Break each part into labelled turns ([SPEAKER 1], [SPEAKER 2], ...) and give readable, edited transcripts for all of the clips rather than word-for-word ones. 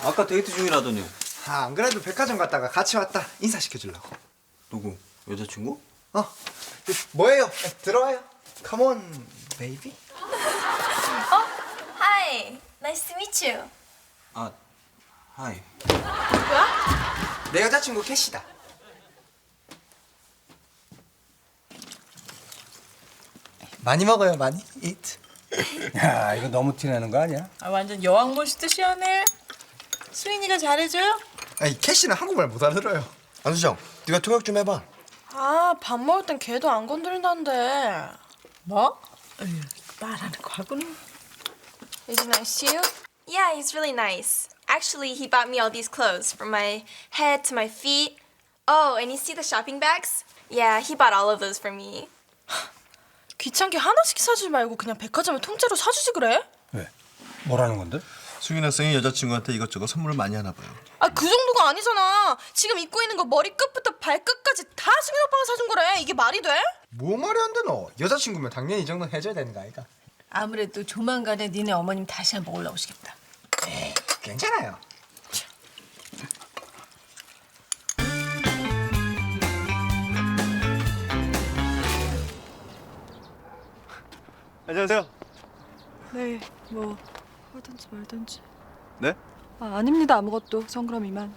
[SPEAKER 1] 아까 데이트 중이라더니.
[SPEAKER 2] 아, 안 그래도 백화점 갔다가 같이 왔다. 인사시켜주려고.
[SPEAKER 1] 누구? 여자친구?
[SPEAKER 2] 뭐예요? 들어와요. Come on, baby.
[SPEAKER 3] Hi, nice to meet you.
[SPEAKER 1] 아, 하이.
[SPEAKER 3] 뭐야?
[SPEAKER 2] 내 여자친구 캐시다. 많이 먹어요, 많이. Eat.
[SPEAKER 4] 야, 이거 너무 티내는 거 아니야?
[SPEAKER 5] 아, 완전 여왕 보시듯이 하네. 수인이가 잘해줘요?
[SPEAKER 2] 아니, 캐시는 한국말 못 알아들어요.
[SPEAKER 6] 안수정, 네가 통역 좀 해봐.
[SPEAKER 3] 아, 밥 먹을 땐 걔도 안 건드린다는데.
[SPEAKER 5] 뭐? 말하는 거 하고는.
[SPEAKER 3] Is he nice to you? Yeah, he's really nice. Actually, he bought me all these clothes from my head to my feet. Oh, and you see the shopping bags? Yeah, he bought all of those for me. 귀찮게 하나씩 사주지 말고 그냥 백화점에 통째로 사주지 그래?
[SPEAKER 4] 왜? 뭐라는 건데?
[SPEAKER 6] 수인 학생이 여자친구한테 이것저것 선물을 많이 하나 봐요.
[SPEAKER 3] 아, 그 정도가 아니잖아. 지금 입고 있는 거 머리끝부터 발끝까지 다 승인 오빠가 사준 거래. 이게 말이 돼?
[SPEAKER 2] 뭐 말이 안 되노? 여자친구면 당연히 이 정도는 해줘야 되는 거 아이가?
[SPEAKER 5] 아무래도 조만간에 니네 어머님 다시 한번 올라오시겠다.
[SPEAKER 2] 괜찮아요.
[SPEAKER 6] 안녕하세요.
[SPEAKER 7] 네, 뭐 하든지 말든지.
[SPEAKER 6] 네?
[SPEAKER 7] 아, 아닙니다. 아무것도. 전 그럼 이만.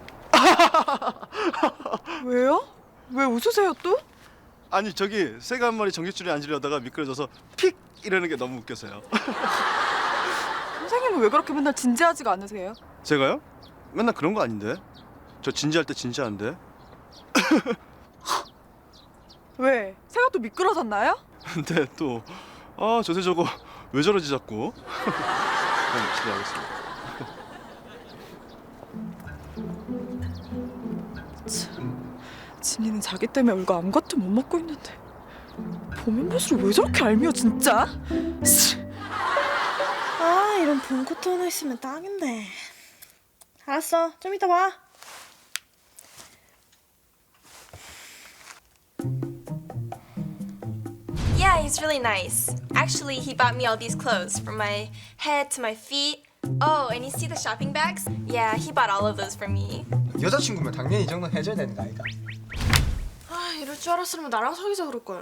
[SPEAKER 7] 왜요? 왜 웃으세요 또?
[SPEAKER 6] 아니 저기 새가 한 마리 전깃줄에 앉으려다가 미끄러져서 픽 이러는 게 너무 웃겨서요.
[SPEAKER 7] 선생님은 왜 그렇게 맨날 진지하지가 않으세요?
[SPEAKER 6] 제가요? 맨날 그런 거 아닌데. 저 진지할 때 진지한데.
[SPEAKER 7] 왜? 새가 또 미끄러졌나요?
[SPEAKER 6] 근데 또 저새 저거 왜 저러지 자꾸. 그럼 실례하겠습니다.
[SPEAKER 7] 진이는 자기 때문에 울고 아무것도 못 먹고 있는데 보면 볼수록 왜 저렇게 알미워 진짜?
[SPEAKER 3] 아, 이런 본 코트 하나 있으면 딱인데. 알았어, 좀 이따 봐. Yeah, he's really nice. Actually, he bought me all these clothes from my head to my feet. Oh, and you see the shopping bags? Yeah, he bought all of those for me.
[SPEAKER 2] 여자친구면 당연히 이 정도는 해줘야 되는 거 아이가?
[SPEAKER 3] 아, 이럴 줄 알았으면 나랑 사귀자 그럴걸.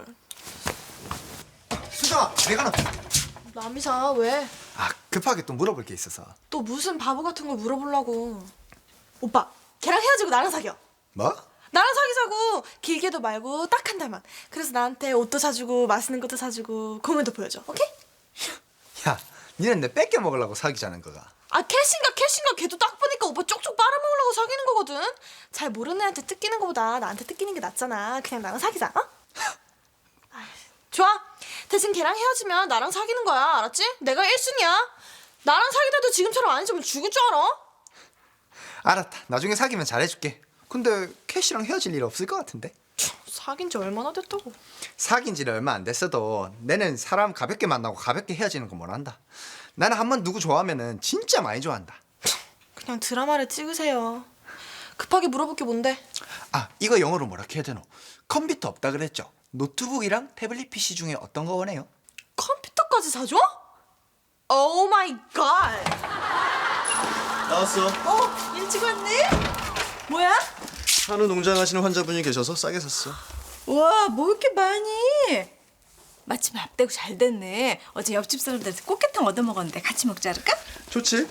[SPEAKER 2] 수정아, 내가 나.
[SPEAKER 3] 남이사, 왜?
[SPEAKER 2] 아, 급하게 또 물어볼 게 있어서.
[SPEAKER 3] 또 무슨 바보 같은 걸 물어보려고. 오빠, 걔랑 헤어지고 나랑 사겨.
[SPEAKER 2] 뭐?
[SPEAKER 3] 나랑 사귀자고. 길게도 말고 딱 한 달만. 그래서 나한테 옷도 사주고 맛있는 것도 사주고 공연도 보여줘. 오케이?
[SPEAKER 2] 야, 니는 내 뺏겨 먹으려고 사귀자는 거가.
[SPEAKER 3] 아, 캐신가 걔도 딱 보니까 오빠 쪽쪽 빨아먹으려고 사귀는 거거든. 잘 모르는 애한테 뜯기는 거보다 나한테 뜯기는 게 낫잖아. 그냥 나랑 사귀자. 어? 아이, 좋아. 대신 걔랑 헤어지면 나랑 사귀는 거야. 알았지? 내가 1순위야. 나랑 사귀다도 지금처럼 안 해주면 죽을 줄 알아?
[SPEAKER 2] 알았다. 나중에 사귀면 잘해줄게. 근데 캐시랑 헤어질 일 없을 것 같은데?
[SPEAKER 3] 사귄 지 얼마나 됐다고.
[SPEAKER 2] 사귄 지는 얼마 안 됐어도 내는 사람 가볍게 만나고 가볍게 헤어지는 거 뭐란다. 나는 한번 누구 좋아하면은 진짜 많이 좋아한다.
[SPEAKER 3] 그냥 드라마를 찍으세요. 급하게 물어볼 게 뭔데?
[SPEAKER 2] 아, 이거 영어로 뭐라 해야 되노? 컴퓨터 없다 그랬죠? 노트북이랑 태블릿 PC 중에 어떤 거 원해요?
[SPEAKER 3] 컴퓨터까지 사줘? 오 마이 갓.
[SPEAKER 6] 나왔어.
[SPEAKER 3] 일찍 왔니? 뭐야?
[SPEAKER 6] 한우 농장 하시는 환자분이 계셔서 싸게 샀어.
[SPEAKER 5] 와, 뭐 이렇게 많이? 마침 밥대고 잘 됐네. 어제 옆집 사람들한테 꽃게탕 얻어먹었는데 같이 먹자 할까?
[SPEAKER 6] 좋지?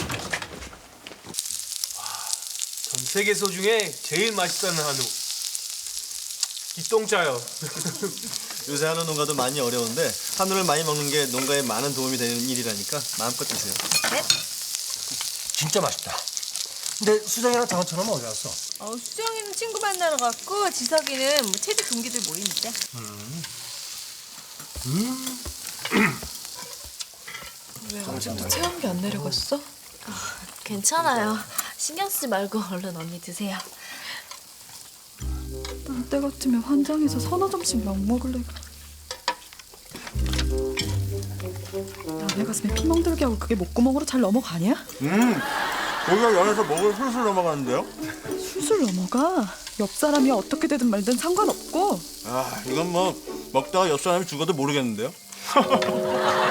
[SPEAKER 8] 전 세계소 중에 제일 맛있다는 한우. 기똥짜요.
[SPEAKER 6] 요새 한우 농가도 많이 어려운데 한우를 많이 먹는 게 농가에 많은 도움이 되는 일이라니까 마음껏 드세요.
[SPEAKER 4] 진짜 맛있다. 근데 수정이랑 장어처럼 어디 갔어?
[SPEAKER 5] 수정이는 친구 만나러 갔고 지석이는 뭐 체대 동기들 모이는데.
[SPEAKER 7] 왜 아직도 체온기 안 내려갔어?
[SPEAKER 3] 괜찮아요. 신경 쓰지 말고 얼른 언니 드세요.
[SPEAKER 7] 난 때 같으면 환장해서 서너 점씩 막 먹을래. 남의 가슴에 피멍 들게 하고 그게 목구멍으로 잘 넘어가냐?
[SPEAKER 6] 거기가 연해서 먹을 술술 넘어가는데요?
[SPEAKER 7] 술술 넘어가. 옆 사람이 어떻게 되든 말든 상관없고.
[SPEAKER 6] 이건 뭐 먹다가 옆 사람이 죽어도 모르겠는데요?